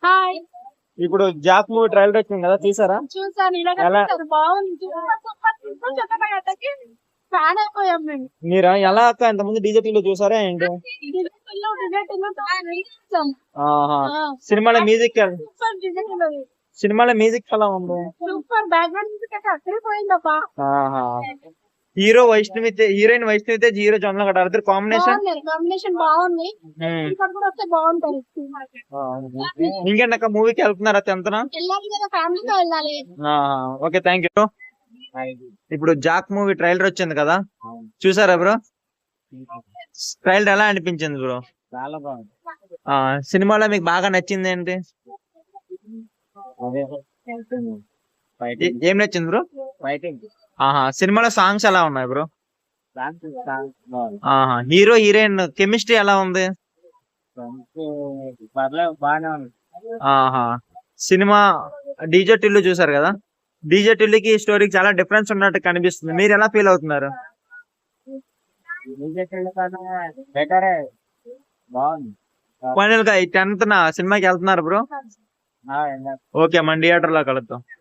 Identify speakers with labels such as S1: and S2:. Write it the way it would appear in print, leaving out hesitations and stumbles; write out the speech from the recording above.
S1: Hi.
S2: ఇప్పుడు Jack movie trailer వచ్చింది కదా, తీసారా?
S1: చూసాను.
S2: ఎలా?
S1: బాగుంది. ఫ్యాన్ అయిపోయాం మేము.
S2: మీరా ఎలా అక్క ఇంతకుముందు డీజేపీలో చూసారా ఏంటి? ఆహా. సినిమాలో మ్యూజిక్ సినిమాలో మ్యూజిక్ ఎలా ఉంది?
S1: సూపర్. బ్యాక్గ్రౌండ్ మ్యూజిక్ అయితే అక్కడే పోయిందప్పా.
S2: ఆహా. Hero Vaishnavi heroine Vaishnavi Tej, hero Jonnalagadda ఇద్దరు కాంబినేషన్
S1: కాంబినేషన్ బాగుంది. ఇక్కడ కూడా వస్తే బాగుంటది.
S2: ఇంకేంటక్క మూవీకి వెళ్తున్నారా 10th?
S1: వెళ్ళాలి కదా, ఫ్యామిలీతో వెళ్ళాలి.
S2: Okay, thank you. ఇప్పుడు జాక్ మూవీ ట్రైలర్ వచ్చింది కదా, చూసారా బ్రో? ట్రైలర్ ఎలా అనిపించింది బ్రో?
S3: చాలా బాగుంది.
S2: సినిమాలో మీకు బాగా నచ్చింది ఏంటి? ఏం నచ్చింది బ్రో?
S3: ఫైటింగ్.
S2: సినిమాలో సాంగ్స్ ఎలా ఉన్నాయి బ్రో?
S3: బాగుంది.
S2: హీరో హీరోయిన్ కెమిస్ట్రీ ఎలా ఉంది?
S3: పర్లేదు, బాగానే ఉంది.
S2: సినిమా డీజే టిల్లు చూసారు కదా, డీజే టిల్లుకి స్టోరీకి చాలా డిఫరెన్స్ ఉన్నట్టు కనిపిస్తుంది. మీరు ఎలా ఫీల్ అవుతున్నారు?
S3: బెటరే, బాగుంది.
S2: ఫైనల్ గా 10th సినిమాకి వెళ్తున్నారు బ్రో? ఓకే, మన థియేటర్ లో కలుద్దాం.